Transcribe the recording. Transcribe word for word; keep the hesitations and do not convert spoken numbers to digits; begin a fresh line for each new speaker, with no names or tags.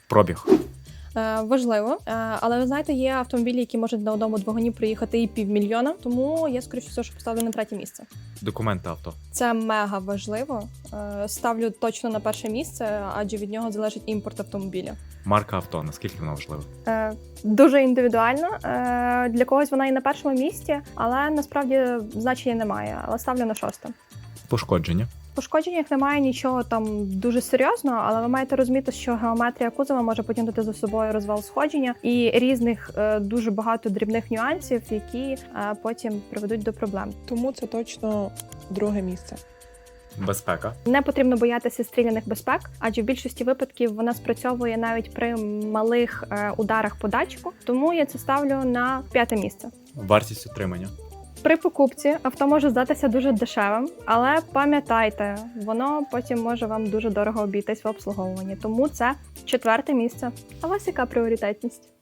Пробіг.
Е, важливо, е, але ви знаєте, є автомобілі, які можуть на одному двигуні проїхати і півмільйона, тому я, скоріше всього, що поставлю на третє місце.
Документи авто.
Це мега важливо. Е, ставлю точно на перше місце, адже від нього залежить імпорт автомобіля.
Марка авто. Наскільки вона важлива?
Е, дуже індивідуально. Е, для когось вона і на першому місці, але насправді значення немає. Але ставлю на шосте.
Пошкодження.
В пошкодженнях немає нічого там дуже серйозного, але ви маєте розуміти, що геометрія кузова може потягнути за собою розвал сходження і різних е, дуже багато дрібних нюансів, які е, потім приведуть до проблем.
Тому це точно друге місце.
Безпека.
Не потрібно боятися стріляних безпек, адже в більшості випадків вона спрацьовує навіть при малих е, ударах по датчику, тому я це ставлю на п'яте місце.
Вартість утримання.
При покупці авто може здатися дуже дешевим, але пам'ятайте, воно потім може вам дуже дорого обійтись в обслуговуванні, тому це четверте місце. А у вас яка пріоритетність?